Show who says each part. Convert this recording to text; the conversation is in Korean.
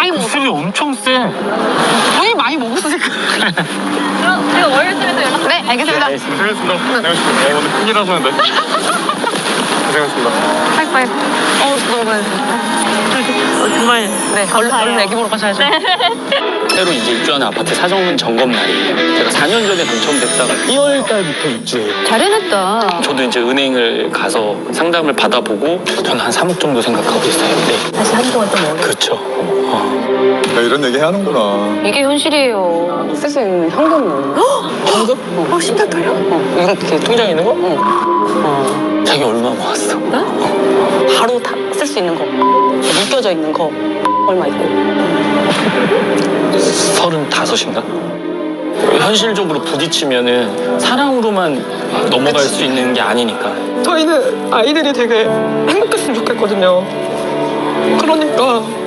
Speaker 1: 많이 먹었어.
Speaker 2: 술이 엄청 세.
Speaker 1: 거의 많이 먹었으니까.
Speaker 3: 그럼 제가 월요일에 연락.
Speaker 1: 네, 알겠습니다.
Speaker 4: 고생했습니다. 고생하셨습니다. 오늘 큰일 하셨는데. 고생하셨습니다.
Speaker 1: 하이파이브. 너무 고생했습니다.
Speaker 3: 정말
Speaker 1: 네, 얼른 애기 보러 가셔야죠.
Speaker 2: 새로 이제 입주하는 아파트 사전 점검 날이에요. 제가 4년 전에 당첨됐다가 1월 달부터 입주해요.
Speaker 1: 잘 해냈다.
Speaker 2: 저도 이제 은행을 가서 상담을 받아보고 저는 한 3억 정도 생각하고 있어요. 네.
Speaker 3: 다시 한동안 좀 어려워.
Speaker 2: 그렇죠.
Speaker 4: 야, 이런 얘기 하는구나.
Speaker 1: 이게 현실이에요. 쓸 수 있는 현금은.
Speaker 2: 현금?
Speaker 3: 심장 떨려?
Speaker 2: 이렇게 통장에 있는 거? 자기 얼마 모았어?
Speaker 3: 바로 다 쓸 수 있는 거. 묶여져 있는 거. 얼마 있고.
Speaker 2: 35인가? 현실적으로 부딪히면은 사랑으로만 넘어갈 수 있는 게 아니니까.
Speaker 5: 저희는 아이들이 되게 행복했으면 좋겠거든요. 그러니까